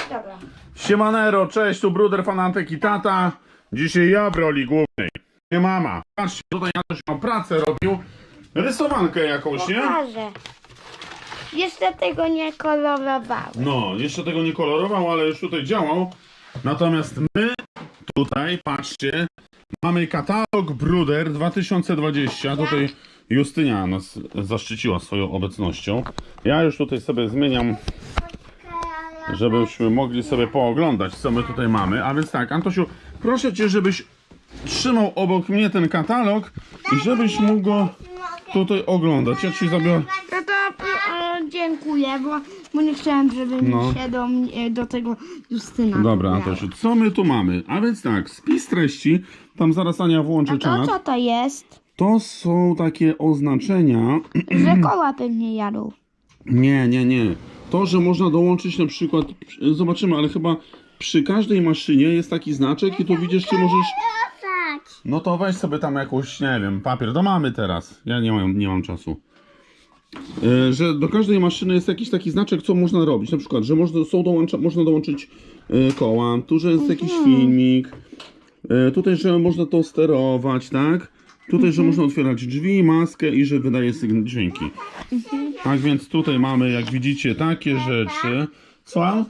Dobra. Siemanero, cześć, tu Bruder, Fanatek i tata. Dzisiaj ja w roli głównej, nie mama. Patrzcie, tutaj ja też mam pracę robił. Rysowankę jakąś, nie? Pokażę. Jeszcze tego nie kolorowałem. No, jeszcze tego nie kolorował, ale już tutaj działał. Natomiast my tutaj, patrzcie, mamy katalog Bruder 2020. Tutaj Justynia nas zaszczyciła swoją obecnością. Ja już tutaj sobie zmieniam, żebyśmy mogli sobie pooglądać, co my tutaj mamy. A więc tak, Antosiu, proszę Cię, żebyś trzymał obok mnie ten katalog i żebyś mógł go tutaj oglądać. Ja Ci zabiorę... No to dziękuję, bo nie chciałem, żeby No. mi się do tego Justyna. Dobra, wybrała. Antosiu, co my tu mamy? A więc tak, spis treści, tam zaraz Ania włączy A to czat. co to jest? To są takie oznaczenia. Że koła pewnie jadą. Nie. To, że można dołączyć na przykład, zobaczymy, ale chyba przy każdej maszynie jest taki znaczek i tu widzisz, czy możesz... No to weź sobie tam jakąś, nie wiem, papier. To mamy teraz. Ja nie mam czasu. Że do każdej maszyny jest jakiś taki znaczek, co można robić. Na przykład, że można dołączyć koła. Tu, że jest jakiś filmik. Tutaj, że można to sterować, tak? Tutaj, że można otwierać drzwi, maskę i że wydaje dźwięki. Tak więc tutaj mamy, jak widzicie, takie rzeczy. Co?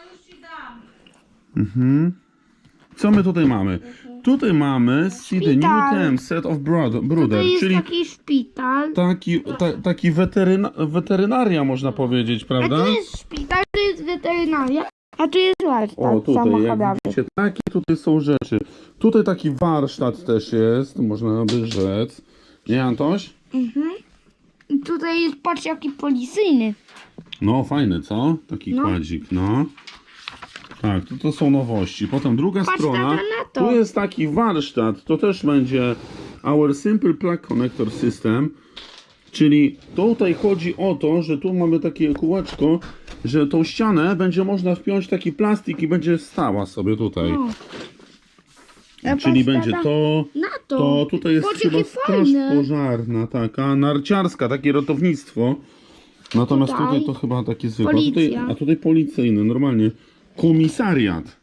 Co my tutaj mamy? Tutaj mamy See the New Szpital. Theme Set of To Bruder, jest czyli taki szpital. taki weterynaria, można powiedzieć, A prawda? tu jest szpital, tu jest weterynaria, a tu jest warsztat O, tutaj, jak samochodowy. widzicie, takie tutaj są rzeczy. Tutaj taki warsztat też jest, można by rzec. Nie, Antoś? I tutaj jest, patrz, jaki policyjny. No, fajny, co? Taki No. kładzik, no. Tak, to są nowości. Potem druga Patrz, strona, tata, na to. tu jest taki warsztat, to też będzie Our Simple Plug Connector System, czyli tutaj chodzi o to, że tu mamy takie kółeczko, że tą ścianę będzie można wpiąć taki plastik i będzie stała sobie tutaj. O. A Czyli patrz, będzie tata, to, na to. to tutaj jest Patrz, chyba jakie straż fajne. pożarna, taka narciarska, takie ratownictwo. Natomiast Tutaj tutaj to chyba takie zwykłe. policja. A tutaj policyjny, normalnie. Komisariat.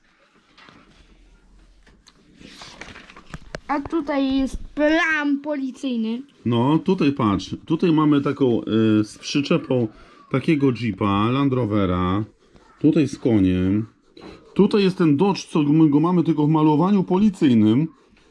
A tutaj jest plan policyjny. No, tutaj patrz. Tutaj mamy taką z przyczepą takiego Jeepa, Land Rovera. Tutaj z koniem. Tutaj jest ten Dodge, co my go mamy tylko w malowaniu policyjnym.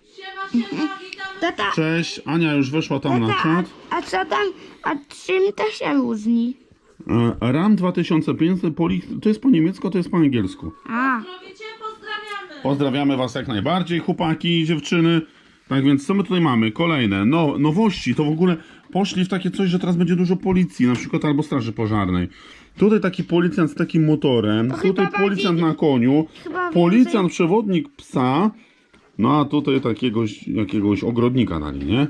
Tata, Cześć, Ania już weszła tam na tata, czat. a co tam, a czym to się różni? RAM 2500, to jest po niemiecku, to jest po angielsku. A, Pozdrawiamy! Pozdrawiamy Was jak najbardziej, chłopaki i dziewczyny. Tak więc co my tutaj mamy? Kolejne nowości. To w ogóle poszli w takie coś, że teraz będzie dużo policji, na przykład albo straży pożarnej. Tutaj taki policjant z takim motorem, tutaj chyba policjant na koniu, chyba policjant przewodnik psa, no a tutaj jakiegoś ogrodnika dali, nie?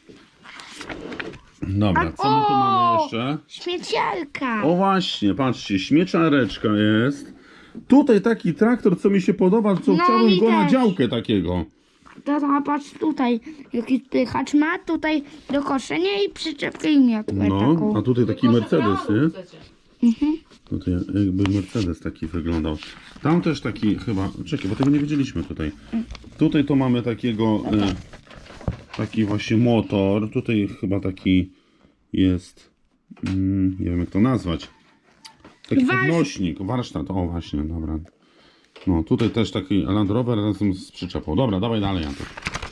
Dobra, co my tu mamy jeszcze? śmieciarka. O właśnie, patrzcie, śmieciareczka jest. Tutaj taki traktor, co mi się podoba, co No, chciałbym mi go na też. działkę takiego. Tata, patrz tutaj, jaki pychacz ma, tutaj do koszenia i przyczepkę i miotłę No, taką. a tutaj taki Mercedes, nie? Chcecie. Tutaj jakby Mercedes taki wyglądał. Tam też taki chyba, czekaj, bo tego nie wiedzieliśmy tutaj. Tutaj to mamy takiego, taki właśnie motor. Tutaj chyba taki jest, nie wiem jak to nazwać. Taki podnośnik, warsztat, o właśnie, dobra. No, tutaj też taki Land Rover razem z przyczepą. Dobra, dawaj dalej, Anton.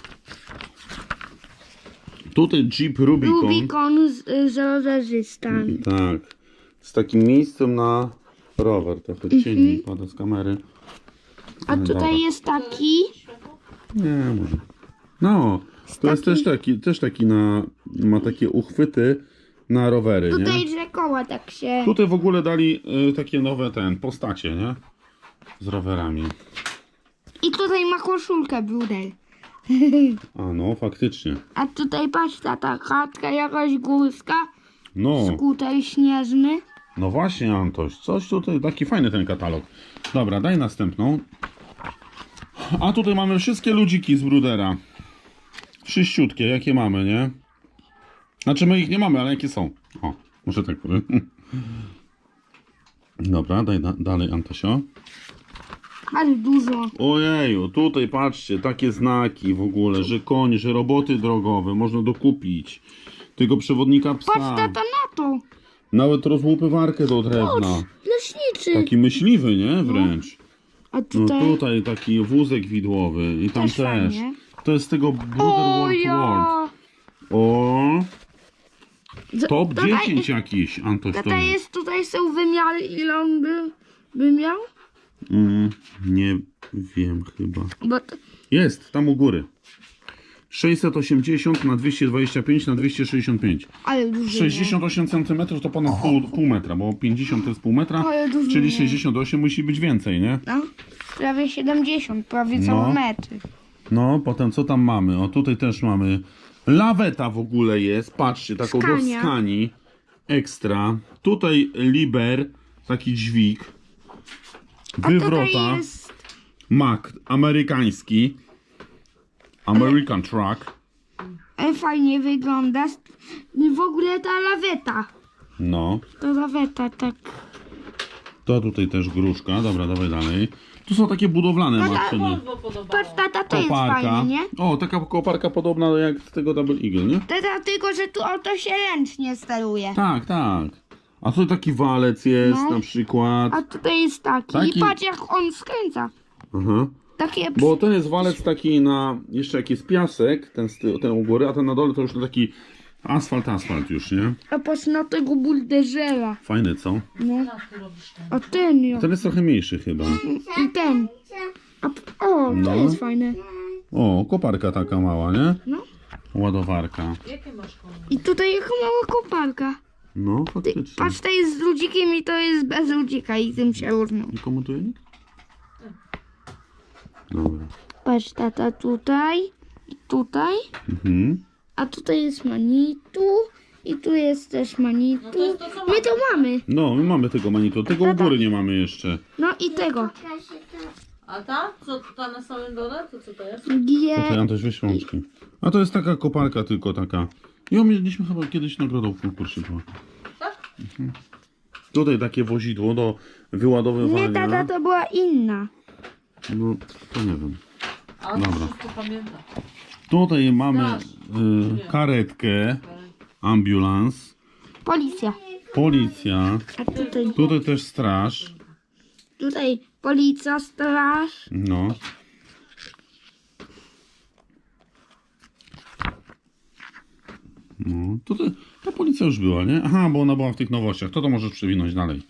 Tutaj Jeep Rubicon. Rubikon z rowerzystami. Tak, z takim miejscem na rower. Trochę cieni pada z kamery. A Dobra. tutaj jest taki, Nie, może. No, to jest też taki ma takie uchwyty na rowery, tutaj nie? że koła tak się... Tutaj w ogóle dali takie nowe postacie, nie? Z rowerami. I tutaj ma koszulkę Brudel. A no, faktycznie. A tutaj patrz, tata, chatka jakaś górska, No, skuter śnieżny. no właśnie, Antoś, coś tutaj, taki fajny ten katalog. Dobra, daj następną. A tutaj mamy wszystkie ludziki z Brudera. Wszyściutkie, jakie mamy, nie? Znaczy my ich nie mamy, ale jakie są. O, może tak powiem. Dobra, daj dalej, Antasio. Ale dużo. Ojeju, tutaj patrzcie, takie znaki w ogóle, że koń, że roboty drogowe, można dokupić. Tego przewodnika psa. Patrz tata na to. Nawet rozłupywarkę do drewna. Patrz, leśniczy. Taki myśliwy, nie? Wręcz. A No tutaj... tutaj taki wózek widłowy i tam Też też. fajnie. To jest z tego Brother O World World. ja. O, top Tutaj- 10 jakiś, Antoś to Tata jest. jest, tutaj są wymiary, ile on by miał? Nie wiem chyba. Bo to, Jest, tam u góry. 680 na 225 na 265. ale dużo. 68 cm to ponad pół metra, bo 50 to jest pół metra, Ale dużo czyli nie. 68 musi być więcej, nie? No, prawie 70, prawie No. cały metr. No, potem co tam mamy? O, tutaj też mamy. Laweta w ogóle jest, patrzcie, taką do Skania. skani. Ekstra. Tutaj Liber, taki dźwig. A Wywrota. tutaj jest... Mac, amerykański. American Truck. Fajnie wygląda. W ogóle ta laweta. No. Ta laweta, tak. To tutaj też gruszka. Dobra, dawaj dalej. Tu są takie budowlane maszyny. Volvo podobało. Patrz tata, to jest Koparka. fajne, nie? O, taka koparka podobna jak z tego Double Eagle, nie? Tata, tylko że tu to się ręcznie steruje. Tak, tak. A tutaj taki walec jest No. na przykład. A tutaj jest taki. Taki- I patrz jak on skręca. Aha. Takie... Bo ten jest walec taki na, jeszcze jak jest piasek, ten u góry, a ten na dole to już taki asfalt już, nie? A patrz na tego bulderzera. Fajny, co? No. Co ty robisz tam? A ten jo. Ten jest trochę mniejszy chyba. I ten. O, to No. jest fajne. O, koparka taka mała, nie? No. Ładowarka. Jakie masz koło? I tutaj jaka mała koparka. No, Ty, faktycznie. patrz, to jest z ludzikiem i to jest bez ludzika i tym się różnią. Nie komentuje nikt? Dobra. Patrz tata tutaj i tutaj. Mhm. A tutaj jest Manitu i tu jest też Manitu. No to jest to, co My to mamy. No, my mamy tego manitu, tego u góry nie mamy jeszcze. No i tego. A ta? Co ta na samym dole? To co to jest? G. Tutaj Antoś weź rączki. A to jest taka koparka tylko taka. Ją mieliśmy chyba kiedyś nagrodą w konkursie. Była. Tak? Tutaj takie wozidło do Nie, wyładowywania. tata, to była inna. No, to nie wiem. A on Dobra. wszystko pamięta. Tutaj mamy Straż. karetkę, ambulans, Policja. policja. A tutaj, Tutaj też straż. tutaj policja, straż. No. No, tutaj ta policja już była, nie? Aha, bo ona była w tych nowościach. To możesz przewinąć dalej.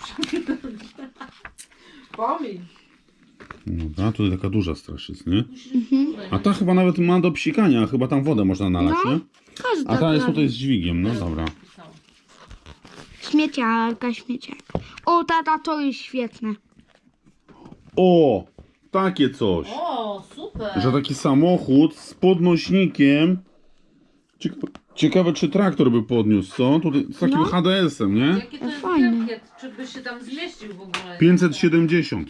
Pomiń. Dobra, tutaj taka duża straż jest, nie? A ta chyba nawet ma do psikania, chyba tam wodę można nalać, No. nie? Każda A ta jest prawie. tutaj z dźwigiem, no dobra. Śmieciarka. O, tata, to jest świetne. O! Takie coś. O, super. Że taki samochód z podnośnikiem. Ciekawe, czy traktor by podniósł, co? Tutaj z takim No. HDS-em, nie? Jaki to jest Fajny. wielkie? Czy by się tam zmieścił w ogóle? 570.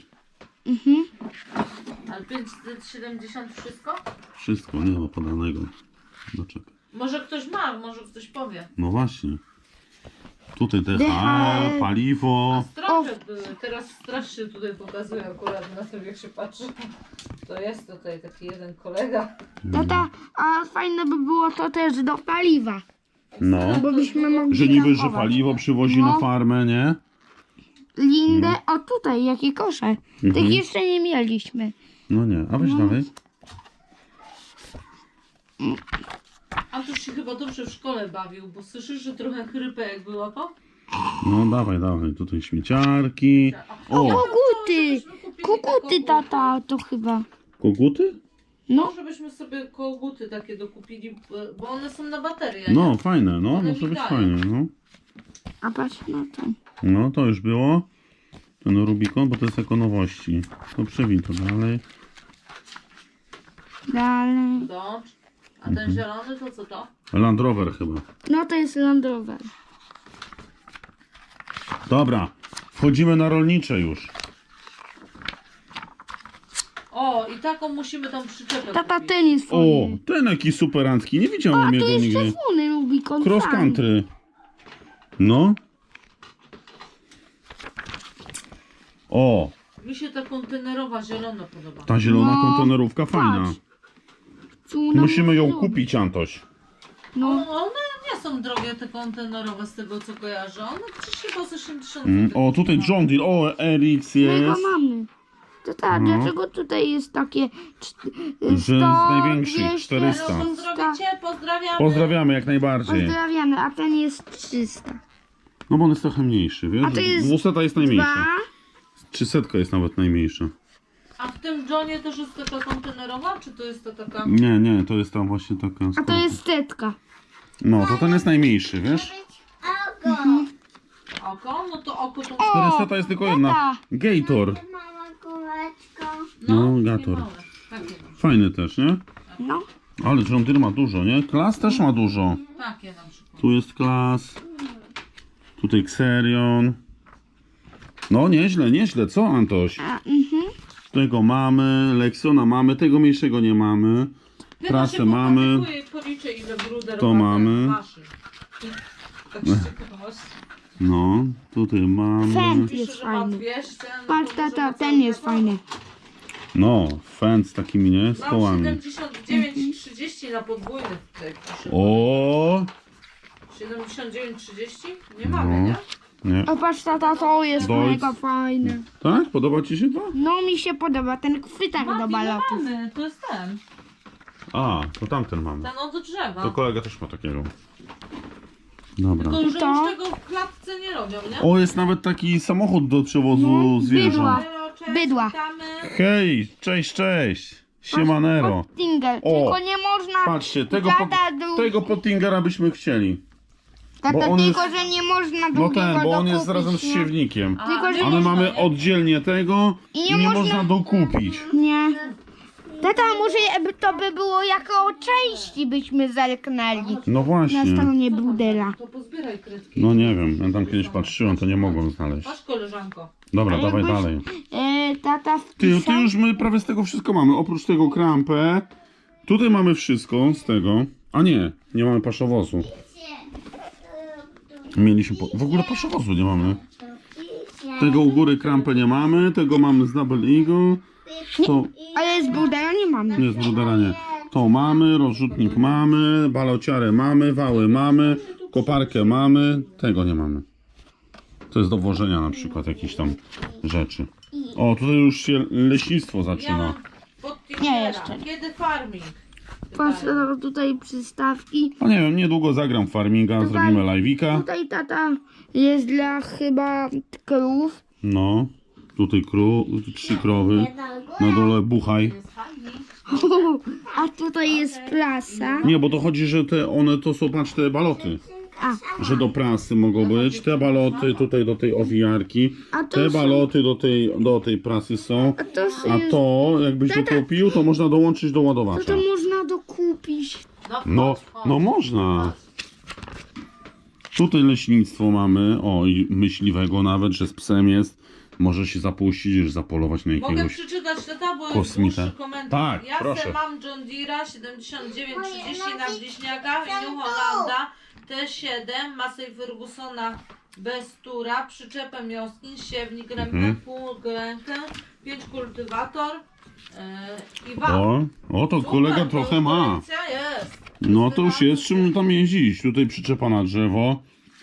Ale 570 wszystko? Wszystko, nie ma podanego. No czekaj. Może ktoś ma, może ktoś powie. No właśnie. Tutaj DHL, DHL. paliwo. Straże były. Teraz straż się tutaj pokazuje akurat na tym, jak się patrzy. To jest tutaj taki jeden kolega. Tata, a fajne by było to też do paliwa. No. Bo byśmy mogli Że niby, że tankować. paliwo przywozi No. na farmę, nie? Lindę, o tutaj, jakie kosze. Tych jeszcze nie mieliśmy. No nie. A weź dalej. A tu się chyba dobrze w szkole bawił, bo słyszysz, że trochę chrypę jak było to? No dawaj, dawaj. Tutaj śmieciarki. O, Koguty! Żebyśmy kupili Koguty, taką- tata, to chyba. koguty? No, Żebyśmy sobie koguty takie dokupili, bo one są na baterię. No, nie? fajne, no. One Może być migają. fajnie, no. a patrz na to. No, to już było. Ten Rubikon, bo to jest jako nowości. To przewin to dalej. Dalej. Dodge. A ten zielony to co to? Land Rover chyba. No to jest Land Rover. Dobra, wchodzimy na rolnicze już. O, i taką musimy tam przyczepę Tata, kupić. ten jest O, fajny. ten jaki superancki. Nie A widziałem tu jego jest nigdy. czerwony Rubikon. Cross fajny. country. No. O, Mi się ta kontenerowa zielona podoba. Ta zielona No, kontenerówka fajna. patrz. Tu nam Musimy ją zrobi. kupić, Antoś. No, One nie są drogie te kontenerowe z tego co kojarzę. One przecież chyba z 80 O, tutaj John Deere, o, RX my go jest. mamy. To tak, No. dlaczego tutaj jest takie Że z największych, 200, 400. Pozdrowicie, pozdrawiamy. Pozdrawiamy jak najbardziej. Pozdrawiamy, a ten jest 300. No bo on jest trochę mniejszy, wiesz? A to jest 200 jest najmniejsza. 2. 300 jest nawet najmniejsza. A w tym Johnie też jest taka kontenerowa, czy to jest to taka... Nie, to jest tam właśnie taka... A to jest setka. No, to ten jest najmniejszy, wiesz? Oko? No to oko to... 400 jest tylko jedna. Gator. No, Gator. małe. Takie no. Fajny też, nie? No. Ale John Deere ma dużo, nie? Klas też ma dużo. Takie na przykład. Tu jest Klas. Tutaj Xerion. No, nieźle, co Antoś? Tego mamy, Lexiona mamy, tego mniejszego nie mamy. Trasę mamy. Policzę ile bruder To mamy. Tak z ciekawości. No, tutaj mamy. Fend Pisze, jest że ma fajny. 200, no Patrz, to tata, może ten jest cały fajny. No, Fend z takimi, nie? Z Mam kołami. 79,30 na podwójnych tutaj pisze. O, 79,30? Nie mamy, No. nie? nie. O, patrz, tata, to jest Dolc. mega fajne. Tak? Podoba ci się to? No, mi się podoba ten chwytak do balotów. mamy, to jest ten. A, to tamten mamy. Ten od drzewa. To kolega też ma takiego. Dobra. Tylko, że To? już tego w klatce nie robią, nie? O, jest nawet taki samochód do przewozu No, zwierząt. bydła. Halo, cześć, Bydła. witamy. Hej, cześć. Siemanero. Tingle, O, tylko nie można... Patrzcie, tego, Tata, tego Pottingera byśmy chcieli. Tata, bo on tylko, jest- że nie można No drugiego ten, bo on jest dokupić, razem z nie? siewnikiem. A, Tylko, że nie A my można, mamy nie? oddzielnie tego I i nie nie można- można dokupić. Nie. Tata, może to by było jako części byśmy zerknęli. No Na właśnie. stronie Brudera. To pozbieraj kredki. No nie wiem, ja tam kiedyś patrzyłem, to nie mogłem znaleźć. Masz koleżanko. Dobra, A dawaj jakbyś- dalej. Tata Ty wpisał... już my prawie z tego wszystko mamy, oprócz tego krampę. Tutaj mamy wszystko z tego. A nie mamy paszowozu. Mieliśmy w ogóle paszowozu nie mamy. Tego u góry krampę nie mamy, tego mamy z Double Eagle. To Ale z Brudera nie mamy. nie z Brudera nie. To mamy, rozrzutnik mamy, balociarę mamy, wały mamy, koparkę mamy, tego nie mamy. To jest do włożenia na przykład jakichś tam rzeczy. O, tutaj już się leśnictwo Ja zaczyna. mam pod Nie, jeszcze nie. Kiedy farming? Patrz, tata, tutaj przystawki. No nie wiem, niedługo zagram w farminga, zrobimy live'ika. Tutaj tata jest dla chyba krów. No, tutaj 3 krowy, na dole buchaj. Jest farming. A tutaj jest prasa. Nie, bo to chodzi, że one to są, patrz, te baloty. A, Że do prasy mogą być, te baloty tutaj do tej owijarki, A to te są- baloty do tej prasy są, a to, a to jakbyś dokupił, to można dołączyć do to ładowacza. można dokupić. No, chodź. no można. Tutaj leśnictwo mamy, o i myśliwego nawet, że z psem jest. Może się zapuścić, już zapolować na Mogę jakiegoś... przeczytać tata, bo jest kosmita. dłuższy komentarz. Tak, Ja proszę. se mam John Deere'a 7930 na bliźniaka i New Hollanda T7, Massey Fergusona bez tura, przyczepę mioskin, siewnik, rękę, rękę, 5 kultywator i wał. O, to Super, kolega to trochę już ma. kolekcja jest. No to już jest czym tam jeździć. Tutaj przyczepa na drzewo.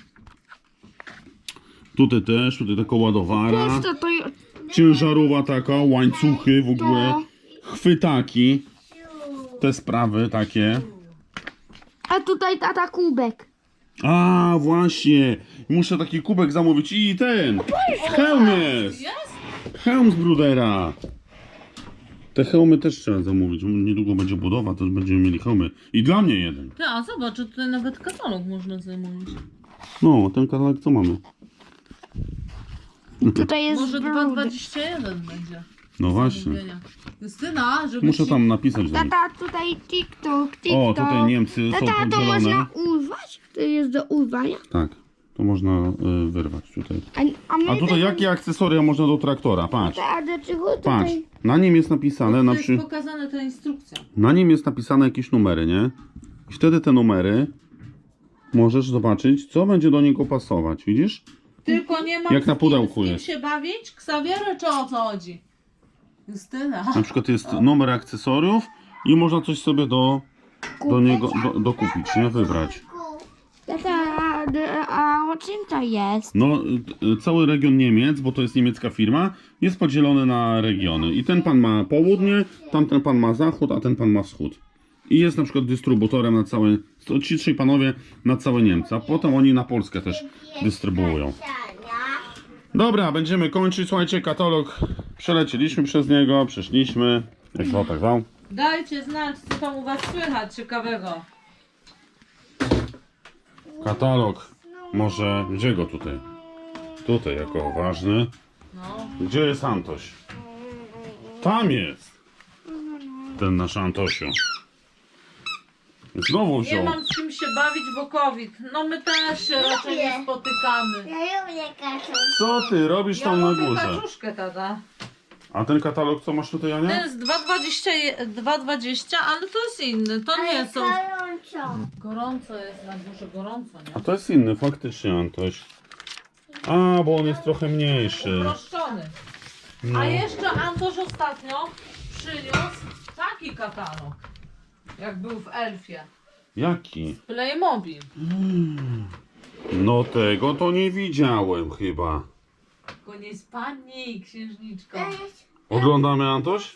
Tutaj też, tutaj taka ładowara. Patrz, to Ciężarowa taka, łańcuchy w ogóle. Chwytaki. Te sprawy takie. A tutaj tata kubek. A właśnie. Muszę taki kubek zamówić i ten. Hełm jest. Jest? Hełm z Brudera. Te hełmy też trzeba zamówić. Niedługo będzie budowa, też będziemy mieli hełmy. I dla mnie jeden. Ty, a zobacz, tutaj nawet katalog można zamówić. No, ten katalog co mamy? Tutaj jest Może brud. 2,21 będzie. No właśnie. Justyna, żeby Muszę ci... tam napisać. Dalej. Tata, tutaj TikTok. O, tutaj Niemcy są Tata, to podzielone. można urwać? To jest do urwania? Tak, to można wyrwać tutaj. My A tutaj tego- jakie akcesoria można do traktora? Patrz, A dlaczego patrz. tutaj? Na nim jest napisane, To jest pokazana ta instrukcja. na nim jest napisane jakieś numery, nie? I wtedy te numery możesz zobaczyć, co będzie do niego pasować, widzisz? Tylko nie mam Jak na pudełku z kim jest. się bawić? Ksawiery czy o co chodzi? Justyna. Na przykład jest numer akcesoriów i można coś sobie do niego dokupić, nie? Wybrać. Tata, a o czym to jest? No, cały region Niemiec, bo to jest niemiecka firma, jest podzielony na regiony. I ten pan ma południe, tamten pan ma zachód, a ten pan ma wschód. I jest na przykład dystrybutorem na całe, ci trzej panowie na całe Niemcy, a potem oni na Polskę też dystrybuują. Dobra, będziemy kończyć. Słuchajcie, katalog. Przelecieliśmy przez niego, przeszliśmy. Jak zwał, tak zwał. Dajcie znać, co tam u was słychać ciekawego. Katalog. Może, gdzie go tutaj? Tutaj jako ważny. No. Gdzie jest Antoś? Tam jest. Ten nasz Antosiu. Znowu Nie wziął. mam z kim się bawić, bo COVID. No my też się raczej nie spotykamy. Ja lubię kaczuszkę. Co ty robisz Ja tam na lubię górze? kaczuszkę, tata. A ten katalog co masz tutaj, To Ania? jest 2,20, ale to jest inny. To nie są... Gorąco. Gorąco jest na górze, gorąco, nie? A to jest inny, faktycznie Antoś. A, bo on jest trochę mniejszy. Uproszczony. No. A jeszcze Antoś ostatnio przyniósł taki katalog, jak był w Elfie. Jaki? Playmobil. No tego to nie widziałem chyba. Tylko nie spadnij, księżniczko. Oglądamy, Antoś?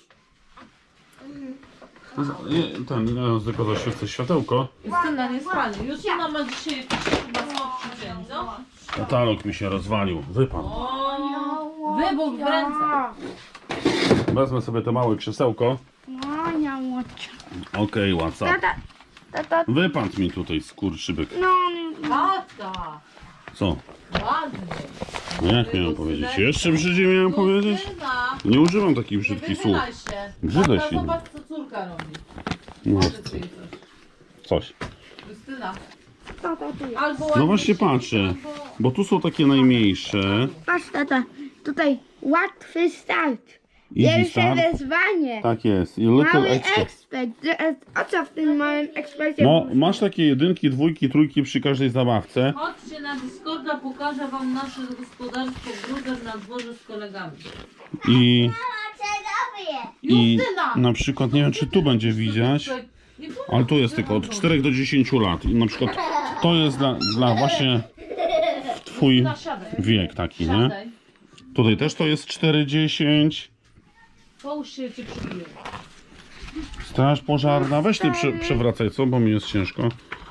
Ja tylko zaświecę światełko. Justyna, nie spadnij. Justyna ma dzisiaj jakiś chyba słabszy dzień, co? Katalog mi się rozwalił. Wypadł. O, wybuch w ręce. Wezmę sobie to małe krzesełko. No, nie łódź. Okej, WhatsApp. Tata, Wypadł mi tutaj skurczybyk. no, Tata, Co? ładnie. No jak miałem powiedzieć? Jeszcze brzydziej miałem powiedzieć? Justyna, Nie używam takich nie brzydkich słów. wychylaj się. Brzydaj Tata, się. zobacz, co córka robi. No, Powiedz jej coś. coś. Justyna, tata, tu jest. albo No ładnie właśnie się, patrzę. albo- Bo tu są takie najmniejsze. Patrz, tata, tutaj łatwy start. Easy Pierwsze start. wezwanie. Tak jest. I little Mały extra. ekspert. O co w tym małym ekspercie? No, masz takie jedynki, dwójki, trójki przy każdej zabawce. Chodźcie na Discorda, pokażę wam nasze gospodarstwo Gruder na dworze z kolegami. I, A co robię? i Justyna! na przykład, nie wiem czy tu będzie widać, Nie było. ale tu jest tylko od 4 do 10 lat. I na przykład to jest dla właśnie twój Justyna, siadaj. wiek taki, nie? Siadaj. Tutaj też to jest 4-10. Połóż się, cię przybiję. Straż pożarna. Weź ty przewracaj, co? Bo mi jest ciężko.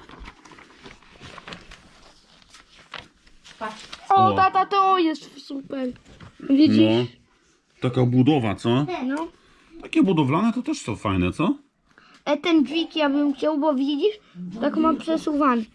Patrz. O, O. tata, to jest super. Widzisz? No. Taka budowa, co? No. Takie budowlane to też są fajne, co? Ten dźwig ja bym chciał, bo widzisz, tak mam przesuwany.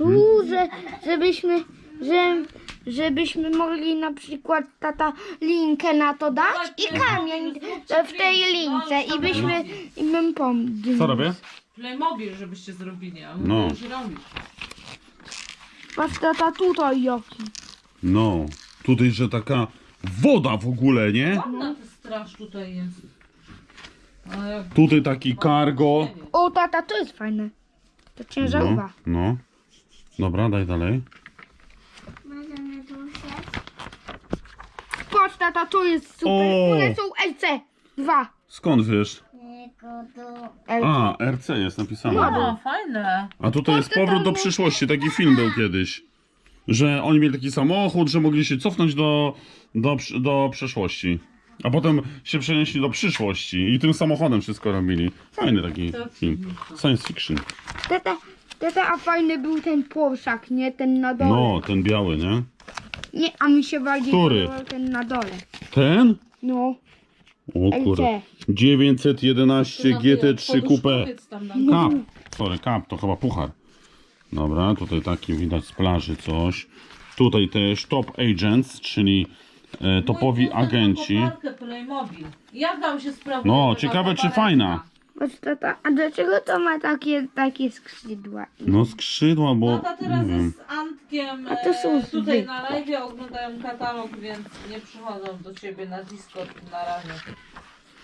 Żebyśmy mogli na przykład tata linkę na to dać i kamień w tej lince i bym pomógł. Co robię? Playmobil, żebyście zrobili, a No. my już robić. Patrz, tata, tutaj jaki. No. Tutaj, że taka woda w ogóle, nie? Ładna ta straż tutaj jest. Ale jak Tutaj taki cargo. O, tata, to jest fajne. To No, ciężarówka. no. Dobra, daj dalej. Możemy duszę. Patrz, tata, to jest super. O! One są LC2. Skąd wiesz? Tylko tu. LC. A, RC jest napisane. O, fajne. A tutaj jest powrót do przyszłości. Taki film był kiedyś. Że oni mieli taki samochód, że mogli się cofnąć do przeszłości. A potem się przenieśli do przyszłości i tym samochodem wszystko robili. Fajny taki film. Science fiction. Tata, a fajny był ten Porszak, nie? Ten na dole. No, ten biały, nie? Nie, a mi się bardziej Który? podobał ten na dole. Ten? No. O kurde. LC. 911 GT3 Coupe. Powiedz tam na Cup. Sorry, cup to chyba puchar. Dobra, tutaj taki widać z plaży coś. Tutaj też Top Agents, czyli topowi Mój kuzyn ma agenci. koparkę Playmobil. Jak tam się sprawuje? No, ta ciekawe czy koparka? fajna. Patrz, tata, a dlaczego to ma takie skrzydła? No skrzydła, bo Tata nie teraz wiem. jest z Antkiem A to są tutaj zwykłe. na live, oglądają katalog, więc nie przychodzą do ciebie na Discord na razie.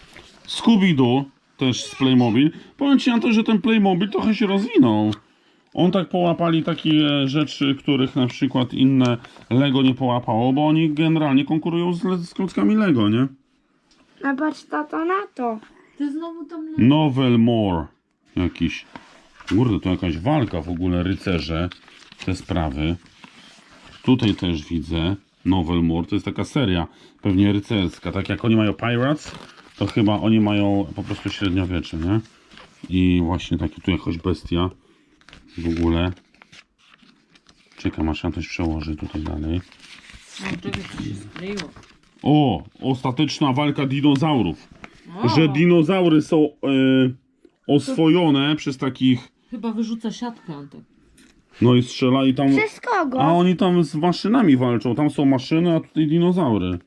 Scooby-Doo, też z Playmobil. Powiem ci, Anto, że ten Playmobil trochę się rozwinął. On tak połapali takie rzeczy, których na przykład inne Lego nie połapało, bo oni generalnie konkurują z klockami Lego, nie? A patrz tato na to. Ty znowu tam Novel More jakiś. Kurde, to jakaś walka w ogóle, rycerze, te sprawy. Tutaj też widzę Novel More, to jest taka seria, pewnie rycerska. Tak jak oni mają Pirates, to chyba oni mają po prostu średniowiecze, nie? I właśnie taki tu jakaś bestia w ogóle. Czekam, aż ja coś przełoży tutaj dalej. czegoś się skleiło. O, ostateczna walka dinozaurów. Że dinozaury są oswojone przez takich, Chyba wyrzuca siatkę, Antek. no i strzela i tam, Przez kogo? a oni tam z maszynami walczą, tam są maszyny, a tutaj dinozaury.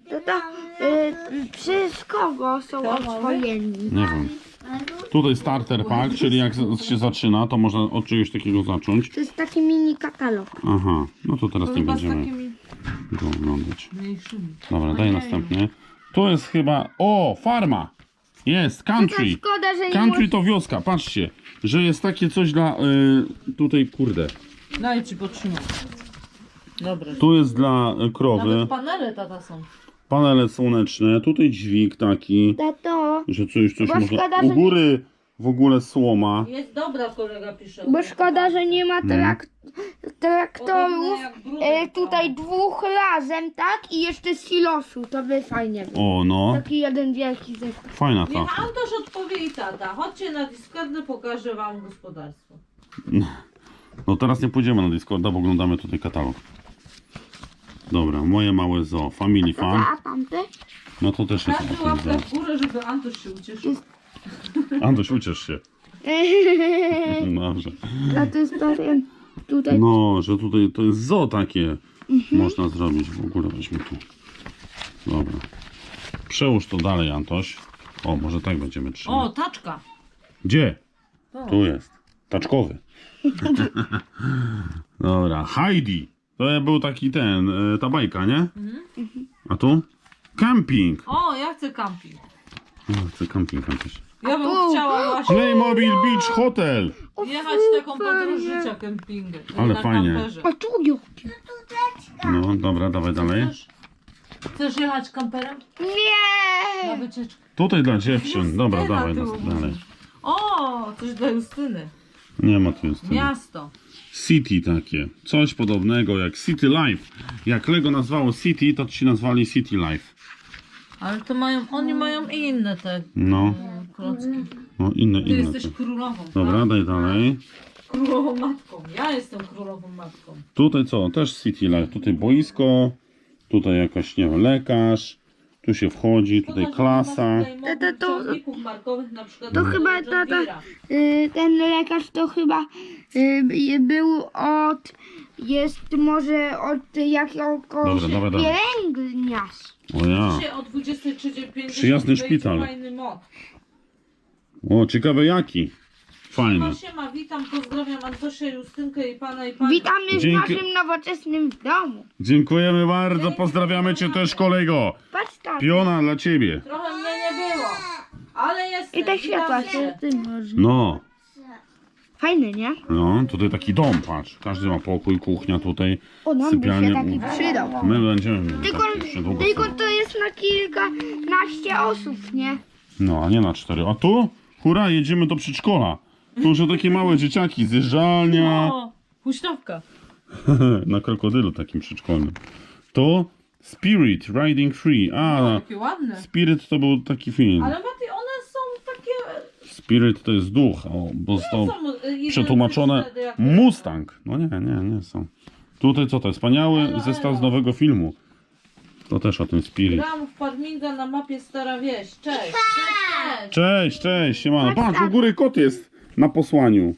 Przez kogo są oswojeni? Nie wiem. Tutaj starter pack, czyli jak się zaczyna, to można od czegoś takiego zacząć. To jest taki mini katalog. Aha, no to teraz To nie chyba z będziemy takimi go oglądać. mniejszymi. Dobra, daj następny. Tu jest chyba, o, farma! Jest, country! Szkoda, że nie Country to wioska, patrzcie, że jest takie coś dla, tutaj, kurde, Daj ci potrzymam. Dobra. tu jest dla krowy, Nawet panele tata są. panele słoneczne, tutaj dźwig taki, Tato, że coś Bo można, szkoda, u że góry w ogóle słoma. Jest dobra, kolega pisze. bo szkoda, że nie ma traktorów Podobne jak brudek, tutaj dwóch razem, tak? I jeszcze silosu, to by fajnie było. O, no, Taki jeden wielki zestaw. fajna ta. Niech Antoś odpowie i tata. Chodźcie na Discordę, pokażę wam gospodarstwo. No teraz nie pójdziemy na Discorda, bo oglądamy tutaj katalog. Dobra, moje małe zoo, Family Fun. A tamte? No to też jest Każdy takie łapkę zoo. w górę, żeby Antoś się ucieszył. Antoś, uciesz się. Dobrze. A to jest pewien tutaj. No, że tutaj to jest zoo takie można zrobić. W ogóle weźmy tu. Dobra. Przełóż to dalej, Antoś. O, może tak będziemy O, trzymać. taczka. Gdzie? O. Tu jest. Taczkowy. Dobra, Heidi. To był taki ta bajka, nie? A tu? Camping. O, ja chcę camping. O, chcę camping, Antoś. Ja bym chciała właśnie Playmobil Beach Hotel. jechać taką podróż życia kempingiem. Ale na fajnie. kamperze. O, tu Juki. No, dobra, dawaj dalej. Chcesz jechać kamperem? Na Nie! wycieczkę. Tutaj dla dziewczyn. Dobra, Justyna, dawaj ty dalej. mówisz. O, coś dla Justyny. Nie ma tu jest. Miasto. City takie. Coś podobnego jak City Life. Jak Lego nazwało City, to ci nazwali City Life. Ale to mają, oni mają inne te No, klocki. no inne, Ty inne. jesteś te. królową. Dobra, tak? daj dalej. Królową matką. Ja jestem królową matką. Tutaj co? Też City Life. Tutaj boisko. Tutaj jakaś, nie wiem, lekarz. Tu się wchodzi, tutaj klasa. To- Markowych, na przykład To chyba John tata, Deere'a. ten lekarz to chyba był jest może od jakiegoś Dobra, dawaj dalej. pielęgniarz. O ja. Dzisiaj o 23:50 Przyjazny wejdzie szpital. fajny mod. O, ciekawe jaki. Fajny. Siema, witam, pozdrawiam Antosia, Justynkę i pana i panią. Witamy w Dzięki. naszym nowoczesnym domu. Dziękujemy bardzo. Pozdrawiamy cię też, kolego. Patrz tam. Piona dla ciebie. Trochę mnie nie było, ale jestem. I te światła witamy się tym może. No. Fajne, nie? No, tutaj taki dom, patrz. Każdy ma pokój, kuchnia tutaj, O, nam by się sypialnia. taki przydał. My będziemy mieli Tylko, taki jeszcze długo. tylko to jest na kilkanaście osób, nie? No, a nie na 4. A tu? Hurra, jedziemy do przedszkola. Tu już takie małe dzieciaki, zjeżdżalnia. O, huśtawka. Na krokodylu takim przedszkolnym. To Spirit Riding Free. A, Takie ładne. Spirit to był taki film. Ale Mati, one są takie... Spirit to jest duch, o, bo został są identyczne przetłumaczone jak- Mustang. No nie są. Tutaj co to jest? Wspaniały zestaw z nowego filmu. To też o tym Spirit. Gram w Farminga na mapie Stara Wieś. Cześć. Cześć, siemano. Patrz, u góry kot jest na posłaniu.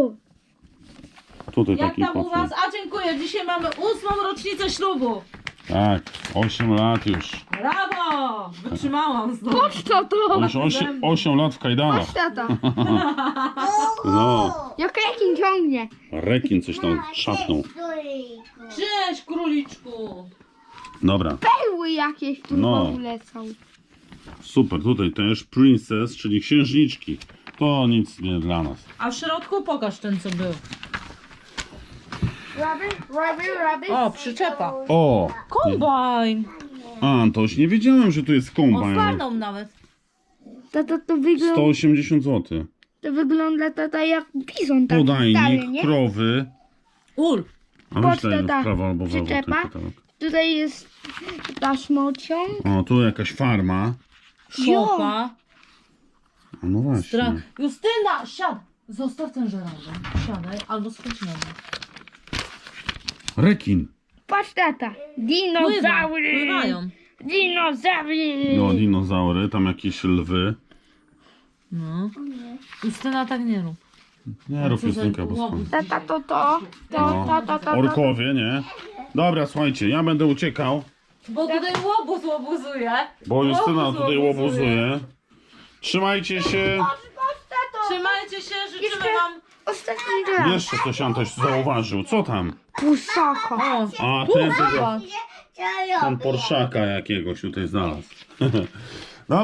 Tutaj Jak taki tam u kot was? jest. A dziękuję, dzisiaj mamy 8. rocznicę ślubu. Tak, 8 lat już. Brawo! Wytrzymałam znowu. Patrz to! Już 8 lat w kajdanach. Patrz tata. No, Jak rekin ciągnie. rekin coś tam szapnął. Cześć, króliczku. Dobra, Perły jakieś tu No. w ogóle są. super. Tutaj też Princess, czyli księżniczki. To nic nie dla nas. A w środku pokaż ten, co był. Rabbit. O, przyczepa. O! Kombajn. Antoś, nie wiedziałem, że tu jest O, kombajn. farną nawet. Tata, to wygląda, 180 zł. to wygląda tata jak bizon taki stary, Podajnik, nie? krowy. Ul. A Patrz, myślę, że w tata, prawo albo w lewo ten przyczepa. katalog. Tutaj jest taśmociąg. O, tu jakaś farma. Szopa. A no właśnie. Justyna, siad. Zostaw ten żelazo. Siadaj, albo schodź na dół. Rekin. Patrz tata, Pływa, dinozaury. pływają. Dinozaury. No, dinozaury, tam jakieś lwy. No. Justyna, tak nie rób. Nie rób Co za Justynka, bo łobuz. spadnie. Tata, to. No. Tata. Orkowie, nie? Dobra, słuchajcie, ja będę uciekał, Bo tutaj łobuz łobuzuje. bo Justyna Łobuz tutaj łobuzuje. łobuzuje. Trzymajcie się. Trzymajcie się, życzymy Jeszcze- wam... Ostatni raz. Jeszcze coś Antoś zauważył. Co tam? Pusaka. O, A, tu, ten, zobacz. ten Porszaka jakiegoś tutaj znalazł.